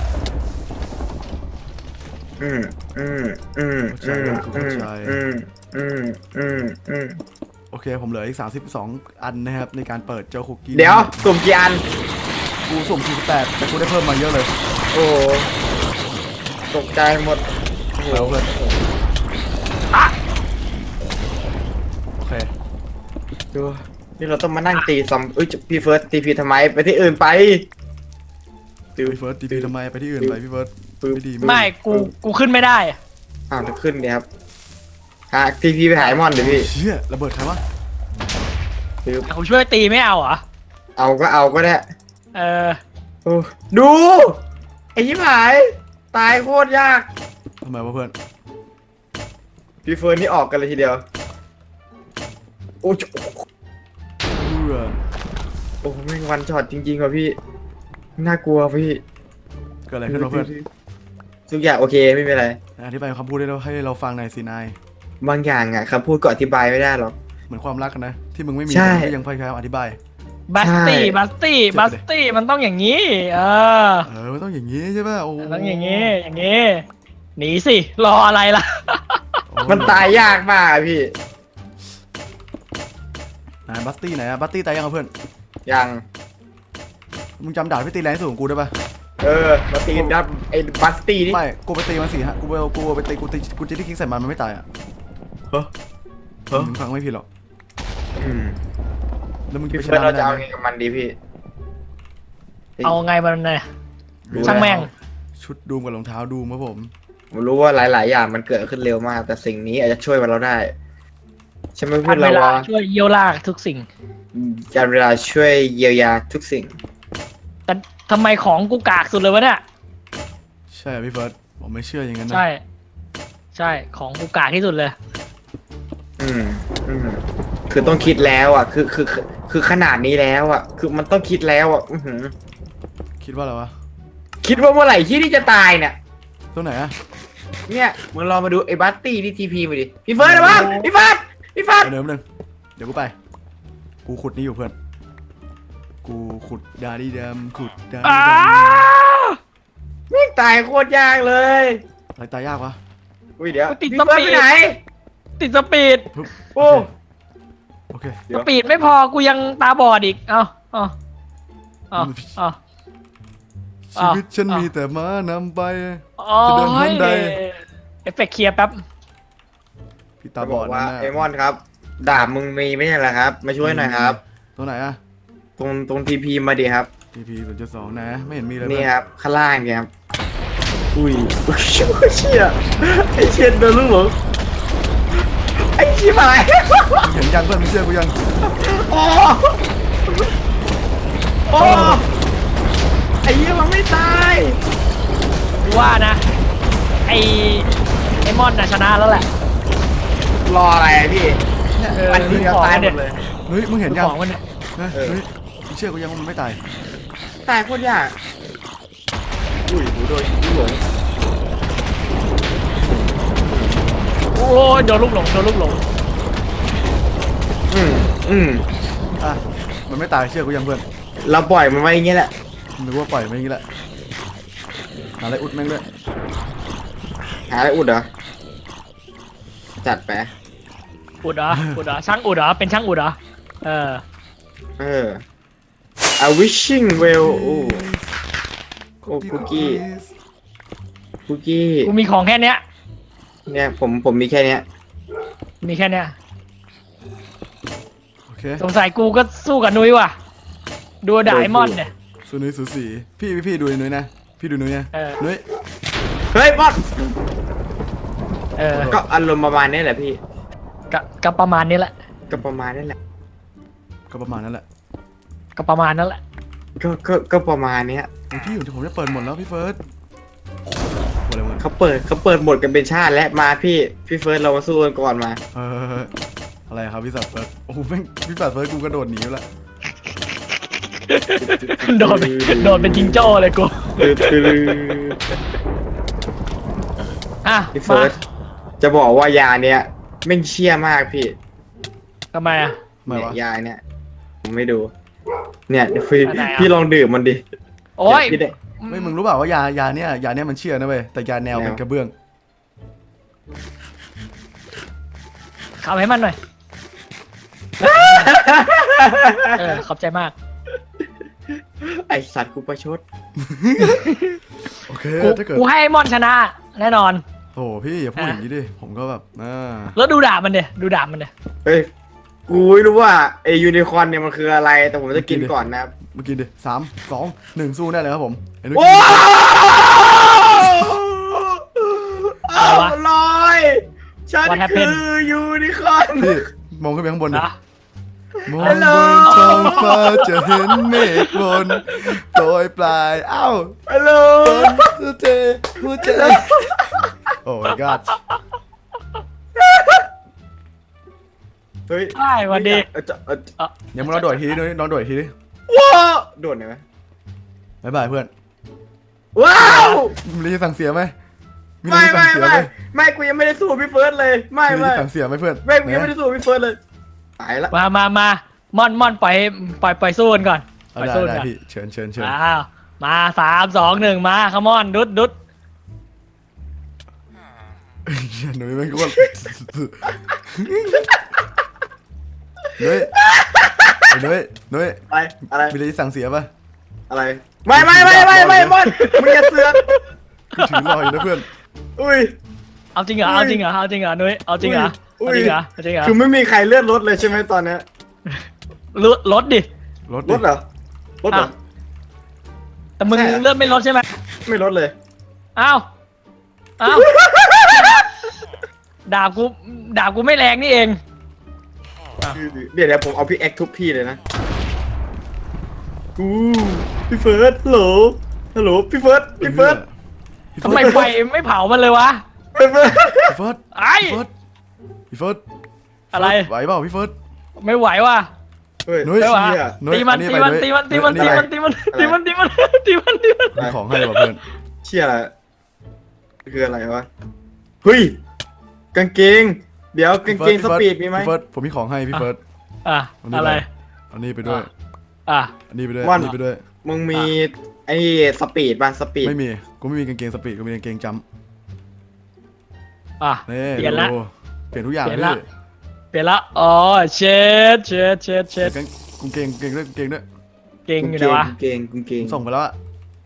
Speaker 3: อืมอืมอืมอืมอืมอืมอืมอืมอืม
Speaker 1: โอเคผมเหลืออีกสามสิบสองอันนะครับในการเปิดเจ้าคุกกี้
Speaker 3: เดี๋ยวสุ่มกี่อัน
Speaker 1: กูสุ่มสี่สิบแปดแต่กูได้เพิ่มมาเยอะเลย
Speaker 3: โอ้โหตกใจหมดโอ้โห
Speaker 1: แล้วเพื่อนโอเค
Speaker 3: ดูนี่เราต้องมานั่งตีซอมเอ้ยพี่เฟิร์สตีพีทำไมไปที่อื่นไป
Speaker 1: พี่เฟิร์สทีพีทำไมไปที่อื่นไปพี่เฟิร์ส
Speaker 3: ปึ๊บ
Speaker 1: ไม่ดี
Speaker 2: ไม่กูกูขึ้นไม่ได้
Speaker 3: อ้าวจะขึ้นเนี่ยครับหาทีพีไปหายมอนเดี๋ยวพี่
Speaker 1: เชี่ยระเบิดใครวะ
Speaker 3: ปึ๊บ
Speaker 2: กูช่วยตีไม่เอาเหรอ
Speaker 3: เอาก็เอาก็ได้
Speaker 2: เออ
Speaker 3: โอ้ดู ไอ้ยิบหาย ตายโคตรยาก
Speaker 1: ทำไมวะเพื่อน
Speaker 3: พี่เฟิร์นนี่ออกกันเลยทีเดียว โอ้โห
Speaker 1: เบื่อ
Speaker 3: โอ้โหแม่งวันช็อตจริงๆว่ะพี่ น่ากลัวพี่
Speaker 1: เกิดอะไรขึ้นวะเพื่อน
Speaker 3: ทุกอย่างโอเคไม่เป็นไร
Speaker 1: อธิบายคำพูดได้แล้วให้เราฟังหน่อยสินาย
Speaker 3: บางอย่างอ่ะคำพูดก็อธิบายไม่ได้หรอก
Speaker 1: เหมือนความรักกันนะ ที่มึงไม่มี
Speaker 3: ใช่
Speaker 1: แต่มึงก็ยังพยายามอธิบาย
Speaker 2: บัสตี้
Speaker 3: ใช่
Speaker 2: บัสตี้
Speaker 1: เจ็บ
Speaker 2: บั
Speaker 1: เลย
Speaker 2: สตี้มันต้องอย่างนี้ เออ
Speaker 1: เออมันต้องอย่างนี้ใช่ป่ะโอ้โห
Speaker 2: มันต้องอย่างนี้ อย่างนี้ หนีสิ รออะไรล่ะ
Speaker 1: โอ้
Speaker 3: มันตายยากมากอะพี่
Speaker 1: ไหนบัสตี้ไหนอะบัสตี้ตายยังอะเพื่อน
Speaker 3: ยัง
Speaker 1: มึงจำดาบพี่ตีแรงที่สุดของกูได้ป่ะ
Speaker 3: เออ มาตีดับไอ้บัสตี้นี่
Speaker 1: ไม่กูไปตีมันสี่ฮะกูไปเอากูไปตีกูตีกูจะที่คิกใส่มันมันไม่ตายอ่ะ
Speaker 3: เฮ้อเฮ้อ
Speaker 1: มึงฟังไม่ผิดหรอก
Speaker 3: อืม
Speaker 1: แล้วมึงจะ
Speaker 3: พี่
Speaker 1: ไปช
Speaker 3: เฟิร์
Speaker 1: นะ
Speaker 3: นเรา
Speaker 1: มัน
Speaker 3: จะ
Speaker 1: ได้
Speaker 3: เอา
Speaker 1: ไหม
Speaker 3: ไงกับมันดีพี่
Speaker 2: เอาไงมันเนี่ย
Speaker 3: รู้
Speaker 2: ช่างแม่ง
Speaker 1: ชุดดูมกับรองเท้าดูมครับผม
Speaker 3: ผมรู้ว่าหลาย ๆ อย่างมันเกิดขึ้นเร็วมาก แต่สิ่งนี้อาจจะช่วยเราได้ ใช่ไหม
Speaker 2: ทั
Speaker 3: เพื่อน น
Speaker 2: เว
Speaker 3: เรา
Speaker 2: ลาว
Speaker 3: ะ
Speaker 2: ช่วยเยียวลากทุกสิ่ง
Speaker 3: การเวลาช่วยเยียวยาทุกสิ่ง
Speaker 2: ทำไมของกูกากสุดเลยวะเนี่ย
Speaker 1: ใช่อะพี่เฟิร์สผมไม่เชื่ออย่างนั้นนะ
Speaker 2: ใช่ใช่ของกูกากที่สุดเลย
Speaker 3: อืมอืมคือต้องคิดแล้วอ่ะ คือคือคือคือขนาดนี้แล้วอ่ะ คือมันต้องคิดแล้วอ่ะอือหือ
Speaker 1: คิดว่าอะไรวะ
Speaker 3: คิดว่าเมื่อไหร่ที่ที่จะตายเนี่ย
Speaker 1: ตัวไหนอะ
Speaker 3: เนี่ยมึงลองมาดูไอ้บัตตี้ที่ทีพีมาดิพี่เฟิร์สนะบ้างพี่เฟิร์สพี่เฟิร์ส
Speaker 1: เดิมหนึ่งเดี๋ยวกูไป กูขุดนี่อยู่เพื่อน กูขุดดาดีดำขุดดาดี
Speaker 2: อ้า
Speaker 1: ดำ
Speaker 3: ไม่งตายโคตรยากเลย
Speaker 1: อะไรตายยากวะ
Speaker 3: อุ้ยเดี๋ยว
Speaker 2: ติด
Speaker 3: พี่
Speaker 2: ส
Speaker 3: เฟิร์ส
Speaker 2: ปี
Speaker 3: ไป
Speaker 2: ด
Speaker 3: ไหน
Speaker 2: ติดสปีด
Speaker 1: ปึ๊บ
Speaker 3: โอ้
Speaker 1: โอเค
Speaker 3: เดี๋
Speaker 2: ส
Speaker 3: ยว
Speaker 2: ปีดไม่พอกูยังตาบอดอีกเอ้าเอ้าเอ้าเอ้า
Speaker 1: ชีวิตฉัน
Speaker 2: อ้าว
Speaker 1: มีแต่ม้านำไป
Speaker 2: โอ้
Speaker 1: จะเดิน
Speaker 2: ย
Speaker 1: ห้องใด
Speaker 2: เอฟเฟกต์เคลียร์แป๊บ
Speaker 1: พี่ตา
Speaker 3: จะ
Speaker 1: บบ อ
Speaker 3: อ
Speaker 1: ด
Speaker 3: กว่า
Speaker 1: นั่น
Speaker 3: ไอ
Speaker 1: น่ะ
Speaker 3: มอนครับดาบมึงมีไม่ใช่เหรอครับ มาช่วยหน่อยครับ
Speaker 1: ตัวไหนอะ
Speaker 3: ตรงตรงทีพีมาดิครับ
Speaker 1: ทีพีศูนย์จุดสองนะ ไม่เห็นมีเลย
Speaker 3: นี่
Speaker 1: เพื่อน
Speaker 3: ครับข้างล่างเนี่ยครับอุ้ยอุ้ยเชี่ยไอเชี่ยโดนลูกหลงไอชิบหาย
Speaker 1: มึงเห็นยังเพื่อนมึงเชื่อกูยัง
Speaker 3: โอ้โอ้ไอ้เหี้ยมันไม่ตาย
Speaker 2: กูว่านะ ไอไอมอนน่ะชนะแล้วแหละ
Speaker 3: รออะไรอะพี่
Speaker 2: เออ
Speaker 3: อันนี้ก็ตายหมดเลย
Speaker 1: เฮ้ยมึงเห็นยัง
Speaker 2: ของมันเนี่ย
Speaker 1: นะ
Speaker 3: เออ
Speaker 1: เฮ้ยมึงเชื่อกูยังว่ามันไม่ตาย
Speaker 3: ตายโคตรยากอุ้ยหูโดนลูกหลง
Speaker 2: โอ้ยโดนลูกหลงโดนลูกหลง
Speaker 3: อืมอืม
Speaker 1: อ่ะมันไม่ตายเชื่อกูยังเพื่อน
Speaker 3: เราปล่อยมันไว้อย่างเงี้ยแหละ
Speaker 1: นึกว่าปล่อยมันอย่างนี้แหละหาอะไรอุดแม่งด้วย
Speaker 3: หาอะไรอุดเหรอจัดไป
Speaker 2: อุดเหรออุดเหรอช่างอุดเหรอเป็นช่างอุดเหรอเออ
Speaker 3: เออ a wishing well โอ้โอ้คุกกี้คุกกี้
Speaker 2: กูมีของแค่เนี้ย
Speaker 3: เนี่ยผมผมมีแค่เนี้ย
Speaker 2: มีแค่เนี้ย
Speaker 1: โอเค
Speaker 2: สงสัยกูก็สู้กับนุ้ยว่ะดูดายมอนเนี่ย
Speaker 1: สูนุ้ยสูสีพี่พี่พี่ดูนุ้ยนะพี่ดูนุ้ยนะ
Speaker 2: เออ
Speaker 1: นุ้ย
Speaker 3: เฮ้ยบอส
Speaker 2: เออ
Speaker 3: ก็อารมณ์ประมาณนี้แหละพี่
Speaker 2: ก็ก็ประมาณนี้แหละ
Speaker 3: ก็ประมาณนี้แหละ
Speaker 1: ก็ประมาณนั้นแหละ
Speaker 2: ก็ประมาณนั้นแหละ
Speaker 3: ก็ก็ก็ประมาณเนี้ย
Speaker 1: เฮ้ยพี่อยู่ที่ผมจะเปิดหมดแล้วพี่เฟิร์สหมดเลยหมด
Speaker 3: เขาเปิดเขาเปิดหมดกันเป็นชาติและมาพี่พี่เฟิร์สเรามาสู้กันก่อนมา
Speaker 1: เอออะไรครับพี่สัตว์เฟิร์สโอ้โหแม่งพี่สัตว์เฟิร์สกูกระโดดหนีแล้วละ
Speaker 2: โดนเป็นโดนเป็นจิงโจ้เลยกูอ่ะ
Speaker 3: พี่
Speaker 2: มา
Speaker 3: เฟิร์สจะบอกว่ายาเนี้ยแม่งเชี่ยมากพี่
Speaker 2: ทำไมอ่ะ
Speaker 1: ไม่
Speaker 3: เนี่ยว
Speaker 1: ะ
Speaker 3: ยาเนี้ยผมไม่ดู เนี่ยเดี๋ยวพี่
Speaker 2: อันไหนอ่ะ
Speaker 3: พี่ลองดื่มมันดิ
Speaker 2: โอ้ย
Speaker 3: เดี๋วพี่ได้
Speaker 1: ไม่มึงรู้เปล่าว่ายายาเนี้ยยาเนี้ยมันเชื่อนะเว้ยแต่ยาแนว
Speaker 3: แนว
Speaker 1: เป็นกระเบื้อง
Speaker 2: ขับให้มันหน่อยเออขอบใจมาก
Speaker 3: ไอสัตว์กูประชด
Speaker 1: โอเค
Speaker 2: กู
Speaker 1: ถ้าเกิด
Speaker 2: กูให้ไอ้มอนชนะ แน่นอน
Speaker 1: โอ้โหพี่อย่าพูด
Speaker 2: อ่ะ
Speaker 1: อย่างนี้ดิผมก็แบบอ่า
Speaker 2: แล้วดูดาบมันเดียดูดาบมันเดีย
Speaker 3: เฮ้ยกูไม่รู้ว่าไอยูนิคอร์นเนี่ยมันคืออะไร แต่ผมจะกินก่อนนะครับ
Speaker 1: เมื่อกี้ดิสามสองหนึ่งสู้ได้เลยครับผมไอ้นุ้ย
Speaker 3: โอ้
Speaker 2: อะไรวะ
Speaker 3: ลอยฉัน
Speaker 2: What
Speaker 3: คื
Speaker 2: happened?
Speaker 3: อยูนิคอร์น
Speaker 1: พี่มองขึ้นไปข้างบนดิ
Speaker 2: นะ
Speaker 1: มอง
Speaker 3: ฮัลโหล
Speaker 1: บนท้องฟ้าจะเห็นเมฆบนโปรยปลายเอ้า
Speaker 3: ฮัลโหล
Speaker 1: หัวใจหัวใจโอ้ my god
Speaker 3: เฮ้ย
Speaker 2: ได้วันดี
Speaker 3: เออจะเออ
Speaker 2: เอ่อ
Speaker 1: เดี๋ยวมึงลองโดดอีกทีดินุ้ยลองโดดอีกทีดิ
Speaker 3: ว้าวโดดหน่อยไหม
Speaker 1: บ๊ายบายเพื่อน
Speaker 3: ว้าว
Speaker 1: มีอะไรจะสั่งเสียไหมมีอะไร
Speaker 3: ไม่
Speaker 1: จะสั่
Speaker 3: ไม่
Speaker 1: งเสีย
Speaker 3: ไม่
Speaker 1: ไหม
Speaker 3: ไม่กูยังไม่ได้สู้พี่เฟิร์สเลยไม่
Speaker 1: มีอะไร
Speaker 3: ไม่
Speaker 1: จะสั่งเสียไหมเพื่อน
Speaker 3: ไม่กูยังไม่ได้สู้พี่เฟิร์สเลยตายละ
Speaker 2: มามามามอนมอนปล่อยปล่อยปล่อยสู้กันก่อนป
Speaker 1: เอา
Speaker 2: ล่อย
Speaker 1: ได้
Speaker 2: สู้
Speaker 1: ได้
Speaker 2: กัน
Speaker 1: พี่เชิญเชิญเชิญ
Speaker 2: อ้าวมาสามสองหนึ่งมาขมอนดุดดุด
Speaker 1: เหี้ยหนุ่ยไม่งโคตรหนุ่ยไอ้หนุ่ยหนุ่ย
Speaker 3: อะไรอะไร
Speaker 1: มีอะไรจะสั่งเสียป่ะ
Speaker 3: อะไรไม่ไม่ไม่ไม่ไม่มอนมึงอย่าเสือก
Speaker 1: กูถือรออยู่นะเพื่อน
Speaker 3: อุ้ย
Speaker 2: เอาจริงเหรอเอาจริงเหรอเอาจริงเหรอนุ้ยเอาจริงเหรอ
Speaker 3: อุ้
Speaker 2: เอา
Speaker 3: ย
Speaker 2: จริงเหรอเอาจริงเหรอ
Speaker 3: คือไม่มีใครเลื่อนรถเลยใช่ไหมตอนเนี้ย
Speaker 2: ลดลดดิ
Speaker 1: รถ
Speaker 3: รถเหรอรถเหรอ
Speaker 2: อ่ะ แต่มึง
Speaker 3: ใช่เหรอ
Speaker 2: เลื่อนไม่ลดใช่ไหม
Speaker 3: ไม่รถเลย
Speaker 2: อ้าวอ้าวดาบกูดาบกูไม่แรงนี่เอง
Speaker 3: เดี๋ยวเดี๋ยวผมเอาพี่แอคทุบพี่เลยนะกูพี่เฟิร์สฮัลโหลฮัลโหลพี่เฟิร์สพี่เฟิร์ส
Speaker 2: ทำไมไฟไม่เผามันเลยวะ
Speaker 3: พี่เฟิร์ส
Speaker 1: พี่เฟิร์ส
Speaker 2: ไอ้
Speaker 1: พี่เฟิร์สพี่เฟิร์ส
Speaker 2: อะไร
Speaker 1: ไหวเปล่าพี่เฟิร์ส
Speaker 2: ไม่ไหวว่ะ
Speaker 3: เฮ้ย
Speaker 1: นุ้ย
Speaker 2: ไม่ไหว
Speaker 3: เชี่ย
Speaker 1: นุ้ย
Speaker 2: ตีมัน
Speaker 1: อั
Speaker 2: ตีมัน
Speaker 1: ไป
Speaker 2: ตีมันตีมัน
Speaker 1: นุ้ย
Speaker 2: ตีมันตีมันตีมันตีมันตีมันตีมัน
Speaker 1: มีของให้ว่ะเพื่อน
Speaker 3: เชี่ยอะไรคืออะไรวะเฮ้ยกางเกง เดี๋ยวกางเกงสปีดมีไหม
Speaker 1: พี่เฟิร์สผมมีของให้พี่เฟิร์ส
Speaker 2: อ่ะอะไร
Speaker 1: อันนี้ไปด้วย
Speaker 2: อ่ะ
Speaker 1: อันนี้ไปด้วย
Speaker 3: ว่า
Speaker 1: อันนี้ไปด้วย
Speaker 3: มึงมีไอ้สปีดป่ะสปีด
Speaker 1: ไม่มีกูไม่มีกางเกงสปีดกูมีกางเกงจัมป์
Speaker 2: อ่ะ
Speaker 1: นี่
Speaker 2: เปลี่ยนละ
Speaker 1: ดูเปลี่ยนทุกอย่าง
Speaker 2: เปลี่
Speaker 1: เลย
Speaker 2: น
Speaker 1: ย
Speaker 2: ละ เปลี่ยนละอ๋อเช็ดเช็ดเช็ดเช็ด
Speaker 1: กางกางเกงกางเกงด้วยกางเกงด้วย
Speaker 2: เก่งอยู่ไหนวะ
Speaker 3: กางเกงกางเก
Speaker 1: ผ
Speaker 3: ง
Speaker 1: มส่งไปแล้วอะ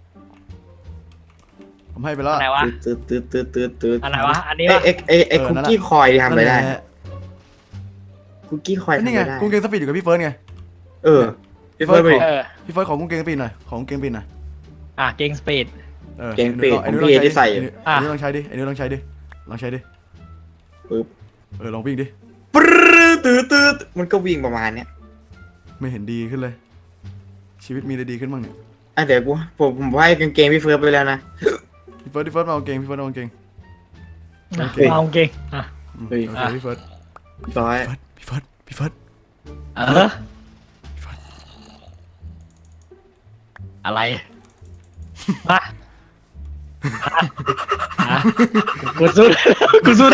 Speaker 1: ผมให้ไปแล้ว
Speaker 2: อั
Speaker 1: อะ
Speaker 2: นไหนวะ
Speaker 3: ตืดตืดตืดตืดตืด
Speaker 2: อันไหนวะอันนี้
Speaker 3: เอ้
Speaker 2: วะ
Speaker 3: เอ็กเอ็กเอ็ก
Speaker 1: เออ
Speaker 3: คุก
Speaker 1: นั่นแหละ
Speaker 3: กี้คอยทำอะไรได้
Speaker 1: นั่นแหละ
Speaker 3: คุกกี้คอยทำ
Speaker 1: นี่
Speaker 3: อะ
Speaker 1: ไง
Speaker 3: ไรได้
Speaker 1: กางเกงสปีดอยู่กับพี่เฟิร์สไง
Speaker 3: เออพี่เฟิร์สไป
Speaker 2: เออ
Speaker 1: พี่เฟิร์สของกางเกงสปีดหน่อยของกางเกงสปีดหน่อย
Speaker 2: อ่ะเก่งสปีด
Speaker 1: ออ
Speaker 3: เกงสปีด
Speaker 1: ไอ้
Speaker 3: ของ
Speaker 1: นุ้ย
Speaker 3: พี่
Speaker 1: ลอง
Speaker 3: ที่ใส่
Speaker 1: ไอ้นุ้ย
Speaker 2: อ่ะ
Speaker 1: ไอ้นุ้ยลองใช้ดิไอ้นุ้ยลองใช้ดิลองใช้ดิ
Speaker 3: ปึ๊บ
Speaker 1: เออลองวิ่งดิ
Speaker 3: ปรึ๊ดตืดตืดมันก็วิ่งประมาณเนี้ย
Speaker 1: ไม่เห็นดีขึ้นเลย ชีวิตมีอะไรดีขึ้นบ้างเนี่ย
Speaker 3: อ่ะเดี๋ยวกูผมผมให้กางเกงพี่เฟิร์สไปแล้วนะ
Speaker 1: พี่เฟิร์สพี่เฟิร์สมาเอากางเกงพี่เฟิร์สเอากางเกง
Speaker 2: อ่ะ
Speaker 1: โอเค
Speaker 2: เอาเก่งอ่ะ
Speaker 1: อืม
Speaker 3: เฮ้ย
Speaker 1: โอเคพี่เฟิร์ส
Speaker 3: ร้อย
Speaker 1: พี่เฟิร์สพี่เฟิร์ส
Speaker 2: เอออะไรมาอ่ะกูสู้กูสู้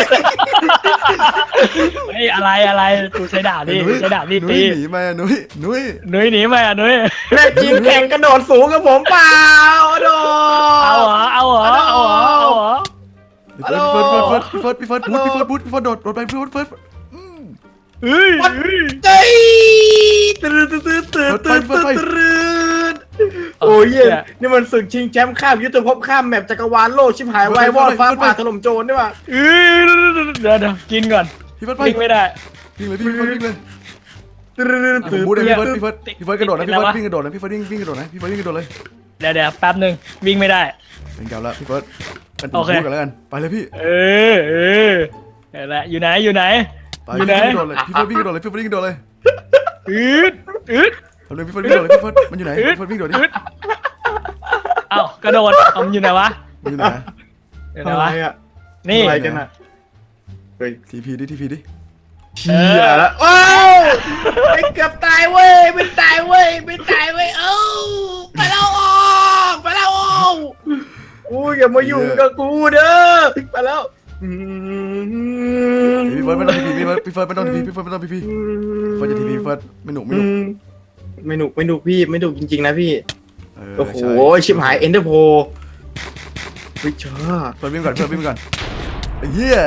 Speaker 2: เฮ้ยอะไรอะไรกูใช้ดาบนี่
Speaker 1: ไอ้นุ้ย
Speaker 2: ใช้ดาบนี่
Speaker 1: นุ้
Speaker 2: ตี
Speaker 1: ยหนีมานุ้ยนุ้ย
Speaker 2: นุ้ยหนีมาอ่ะนุ้ย
Speaker 3: แม่จีนแข่งกระโดดสูงกับผมเปล่าโด
Speaker 2: เอาเหรอเอาเหรอเอาเหรอเอาเหรอ
Speaker 1: พี่เฟิร์สพี่เฟิร์สพี่เฟิร์สพี่เฟิร์สพี่เฟิร์สพูดพี่เฟิร์สพูดพี่เฟิร์สโดดโดดไปพี่เฟิร์สเฟิร์สอืม
Speaker 2: เฮ้ยเฮ้ย
Speaker 3: เฮ้ยตื่นตื่นตื่นตื่นตื่นตื่นตื่นโอ้ยเหี้ยนี่มันศึกชิงแชมป์ข้ามยุทธภพข้ามแมปจักรวาลโลกชิบหายวายวอดฟ้าผ่าถล่มโจรนี่ว่ะ
Speaker 2: เอ้ยเดี๋ยวเดี๋ยวกินก่อน
Speaker 1: พี่เฟิร์สไป
Speaker 2: วิ่งไม่ได้
Speaker 1: วิ่งเลยพี่พี่เฟิร์สวิ่งเลย
Speaker 3: ตื่น
Speaker 1: ผ
Speaker 3: ตื่
Speaker 1: ม
Speaker 3: น
Speaker 1: พูดเลย
Speaker 3: ตื่
Speaker 1: พี่
Speaker 3: น
Speaker 1: เฟิร์สพี่เฟิร์สพี่เฟิร์สกระโดดนะพี่เฟิร์สวิ่งกระโดดนะพี่เฟิร์สวิ่งวิ่งกระโดดนะพี่เฟิร์สวิ่งกระโดดเลย
Speaker 2: เดี๋ยวเดี๋ยวแป๊บหนึ่งวิ่งไม่ได้
Speaker 1: เป็นเก่าแล้วพี่เฟิร์สเป็นผม
Speaker 2: โอเค
Speaker 1: พูดกันแล้วกันไปเลยพี่
Speaker 2: เออเออเดี๋ยวแหละอยู่ไหนอยู่ไหน
Speaker 1: ไป
Speaker 2: อยู่
Speaker 1: พี่
Speaker 2: ไหน
Speaker 1: เฟิร์สวิ่งกระโดดเลยพี่เฟิร์สวิ่งกระโดดเลยพี่เฟิร์สวิ่งกระโดดเลย
Speaker 2: อืดอืด
Speaker 1: เอาเลยพี่เฟิร์สวิ่งกระโดดเลยพี่เฟิร์สมันอยู่ไหนพี่เฟิร์สวิ่งกระโดดดิ
Speaker 2: อืดเอ้ากระโดดเอามันอยู่ไหนวะ
Speaker 1: มันอยู่ไหน
Speaker 2: อยู่ไหน
Speaker 3: อะไร
Speaker 2: วะ
Speaker 3: อ่ะ
Speaker 2: นี่
Speaker 3: อะไรกันอ่ะเฮ้ย
Speaker 1: ทีพีดิทีพีดิ
Speaker 3: เชี่ยแล้วว้าวไม่เกือบตายเว้ยไม่ตายเว้ยไม่ตายเว้ยเอ้าไปแล้วออกไปแล้วออกอู้อย่ามายุ่งกับกูเด้อไปแล้วอืม
Speaker 1: พี่เฟิร์สไม่ต้องทีพีพี่เฟิร์สพี่เฟิร์สไม่ต้องทีพีพี่เฟิร์สไม่ต้องทีพีเฟิร์สจะทีพีพี่เฟิร์สไม่หนุกไม่หนุก
Speaker 3: ไม่หนุกไม่หนุกพี่ไม่หนุกจริงๆนะพี่
Speaker 1: เออ
Speaker 3: โอ้โห
Speaker 1: ใช่
Speaker 3: ชิบหายเอ็นเดอร์โพวิชา
Speaker 1: เฟิร์สวิ่งก่อนเฟิร์สวิ่งก่อนไอ้เหี้ย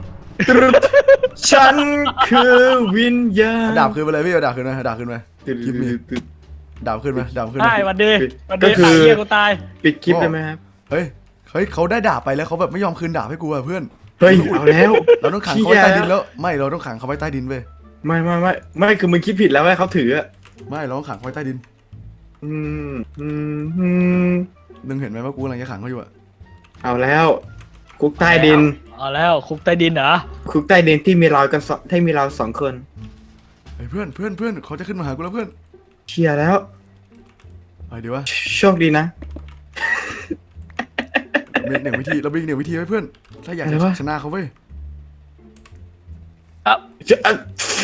Speaker 3: ฉันคือวิญญาณ
Speaker 1: เอาดาบคืนไปเลยพี่เอาดาบคืนมาเอาดาบคืนมาคลิปมีดาบคืนมาดาบคืน
Speaker 2: ใช่
Speaker 1: มา
Speaker 2: วันดีวันดีตายเหี้ยกูตาย
Speaker 3: ปิดคลิปได้ไหมครับ
Speaker 1: เฮ้ยเฮ้ยเขาได้ดาบไปแล้วเขาแบบไม่ยอมคืนดาบให้กูอะเพื่อน
Speaker 3: เฮ้ยเอาแล้ว
Speaker 1: เราต้องขังเขาไว้ใต้ดินแล้วไม่เราต้องขังเขาไว้ใต้ดินเว้ย
Speaker 3: ไม่ไม่ไม่ไม่คือมึงคิดผิดแล้วว่าเขาถืออะ
Speaker 1: ไม่เราต้องขังเขาไว้ใต้ดิน
Speaker 3: อืมอืมอืม
Speaker 1: นึงเห็นไหมว่ากูกำลังจะขังเขาอยู่อะ
Speaker 3: เอาแล้วคุกใต้ดิน
Speaker 2: เอาแล้วคุกใต้ดินเหรอ
Speaker 3: คุกใต้ดินที่มีเรากันสองที่มีเราสองคน
Speaker 1: เฮ้ยเพื่อนเพื่อนเพื่อนเขาจะขึ้นมาหากูแล้วเพื่อน
Speaker 3: เชียร์แล้ว
Speaker 1: ไปเดี๋ยววะ
Speaker 3: โชคดีนะ
Speaker 1: เรามีหนึ่งวิธีเรามีหนึ่งวิธีไว้เพื่อนถ้าอยาก
Speaker 3: อะไร
Speaker 1: จะ
Speaker 3: วะ
Speaker 1: ชนะเขาเว้ย
Speaker 2: เอ้า
Speaker 3: จะอ่ะ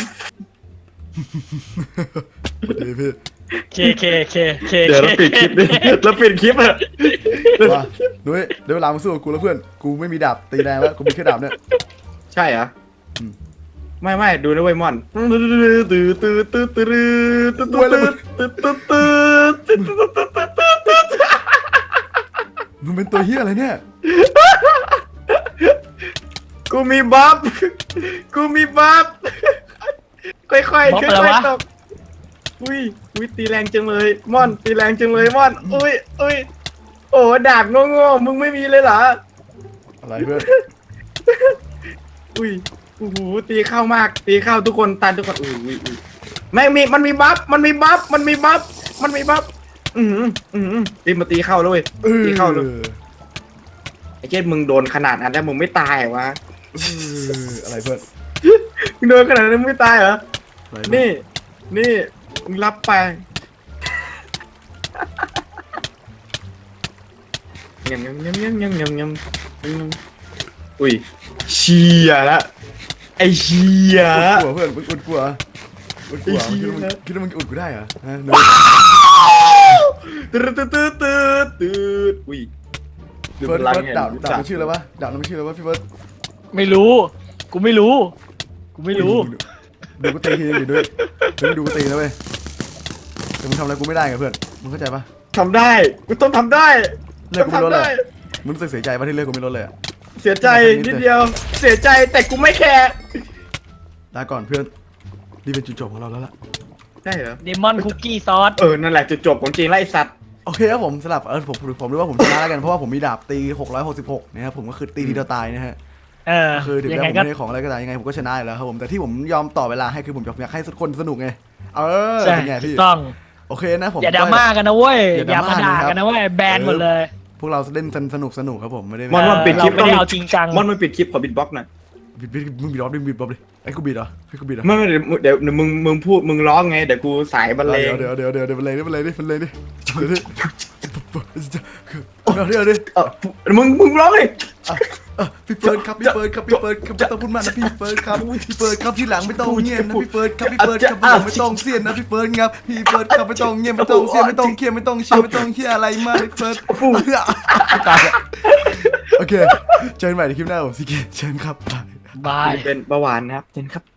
Speaker 1: เดี๋ยวพี่
Speaker 2: เคเคเคเค
Speaker 3: เดี๋ยวเราปิดคลิปดิเราปิดคลิปอะ
Speaker 1: ว่านุ้ยเดี๋ยวเวลามาสู้กับกูแล้วเพื่อนกูไม่มีดาบตีแรงแล้วกูมีแค่ดาบเนี่ย
Speaker 3: ใช่เหรอ
Speaker 1: อืม
Speaker 3: ไม่ไม่ดูนะเว้ยมอนตื้อตื้อตื้อตื้อตื้อตื้อตื้อตื้อตื้อตื้อตื้อตื้อตื้อตื้อตื้อ
Speaker 1: มึงเป็นตัวเฮียอะไรเนี่ย
Speaker 3: กูมีบัฟกูมีบัฟค่อยๆค่อยๆตกอุ้ยอุ้ยตีแรงจังเลยม่อนตีแรงจังเลยม่อนอุ้ยอุ้ยโอ้ดาบโง่ๆมึงไม่มีเลยเหรอ
Speaker 1: อะไรเพื่อน
Speaker 3: อุ้ยโอ้โหตีเข้ามากตีเข้าทุกคนตันทุกคนอุ้ยอุ้ยอุ้ยไม่มีมันมีบัฟมันมีบัฟมันมีบัฟมันมีบัฟอืมอืมตีมาตีเข้าเลย
Speaker 1: เออ
Speaker 3: ตีเข้าเลยไอ้เจ๊มึงโดนขนาดนั้นแล้วมึงไม่ตายเหรอวะ
Speaker 1: เอออะไรเพื่อน
Speaker 3: มึงโดนขนาดนั้นมึงไม่ตายเหรอ
Speaker 1: อะไร
Speaker 3: นี่ นี่มึงรับไปยำยำยำยำยำยำยำอุ้ยเชียละไอเชียละ
Speaker 1: กลัวเพื่อนมึงอุดกลัวอุดกลัว
Speaker 3: ไอ้เหี้
Speaker 1: คิด
Speaker 3: ย
Speaker 1: ว่ามึงคิดว่ามึงอุดกูได้เหรอฮะเน
Speaker 3: ตืดตืดตืดตืดตืดอุ้ย
Speaker 1: เฟิร์สเฟิร์สดาบดาบมันชื่ออะไรวะดาบมันชื่ออะไรวะพี่เฟิร์ส
Speaker 2: ไม่รู้ กูไม่รู้ กูไม่รู้
Speaker 1: ดูกูตีทีนึงดิด้วยดูดูกูตีนะเว้ยแต่มึงทำอะไรกูไม่ได้ไงเพื่อนมึงเข้าใจปะ
Speaker 3: ทำได้กูต้องทำได้
Speaker 1: เลิกกูไม่ลด
Speaker 3: ทำ
Speaker 1: เล
Speaker 3: ได้
Speaker 1: ยมึงรู้สึกเสียใจปะที่เลิกกูไม่ลดเลยอะ
Speaker 3: เสียใจนิดเดียว เสียใจแต่กูไม่แคร์
Speaker 1: ลาก่อนเพื่อนนี่เป็นจุดจบของเราแล้วล่ะ
Speaker 3: ได้เหรอ
Speaker 2: เดมอนคุกกี้ซอส
Speaker 3: เออนั่นแหละจุดจบของจริงไล่สัตว์
Speaker 1: โอเคครับผมสลับเออผมผมรู้ว่าผมชนะแล้วกันเพราะว่าผมมีดาบตีหกร้อยหกสิบหกนะครับผมก็คือตีทีเดียวตายนะฮะ
Speaker 2: เออ
Speaker 1: คือถึง
Speaker 2: ยั
Speaker 1: แม้
Speaker 2: งไง
Speaker 1: ผม
Speaker 2: ก็
Speaker 1: ไม่ได้ของอะไรก็ตามยังไงผมก็ชนะอยู่แล้วครับผมแต่ที่ผมยอมต่อเวลาให้คือผมอยากให้ทุกคนสนุกไงเออ
Speaker 2: ใช่
Speaker 1: เป็นไง
Speaker 2: ถู
Speaker 1: พี่
Speaker 2: กต้อง
Speaker 1: โอเคนะผม
Speaker 2: อย่าดราม่ากันนะเว้ย
Speaker 1: อย่า
Speaker 2: อย่า
Speaker 1: ดราม่า
Speaker 2: มาด่า
Speaker 1: นะครับ
Speaker 2: กันนะเว้ย แบนหมดเลย
Speaker 1: พวกเราเล่นสนุกสนุกครับผมไม่ได้
Speaker 3: มอน
Speaker 2: เออ
Speaker 3: มันปิดคลิป
Speaker 2: เราไม่ได้เอาจริงจัง
Speaker 3: มอนมันปิดคลิปขอบิดบ็อกซ์หน่อย
Speaker 1: บิดบิดมึงบิดรอบดิบิดรอบดิไอ้กูบิดเหรอไอ้กูบิดเหรอ
Speaker 3: ไม่ไม่เดี๋ยวเดี๋ยวเดี๋ยวมึงมึงพูดมึงร้องไงเดี๋ยวกูสายบรรเลง
Speaker 1: เดี๋ยวเดี๋ยวเดี๋ยวเดี๋ยวมันเลยดิมันเลยดิมันเลยดิเดี๋ยวดิเอาเดี๋ยวดิ
Speaker 3: เออมึงมึงร้องดิ
Speaker 1: พี่เฟิร์นครับพี่เฟิร์นครับพี่เฟิร์นครับไม่ต้องพูดมากนะพี่เฟิร์นครับพี่เฟิร์นครับที่หลังไม่ต้องเงียบนะพี่เฟิร์นครับพี่เฟิร์นครับที่หลังไม่ต้องเสียนนะพี่เฟิร์นครับพี่เฟิร์นครับไม่ต้องเงียบไม่ต้องเสียนไม่ต้องเครียดไม่ต้องเชียร์ไม่ต้องเชียร์อะไรมากพี่เฟิร์นตายโอเคเจอกันใหม่ในคลิปหน้าผมสิเกเชิญครับ
Speaker 2: บาย
Speaker 3: เป็นเบาหวานนะครับเจนครับ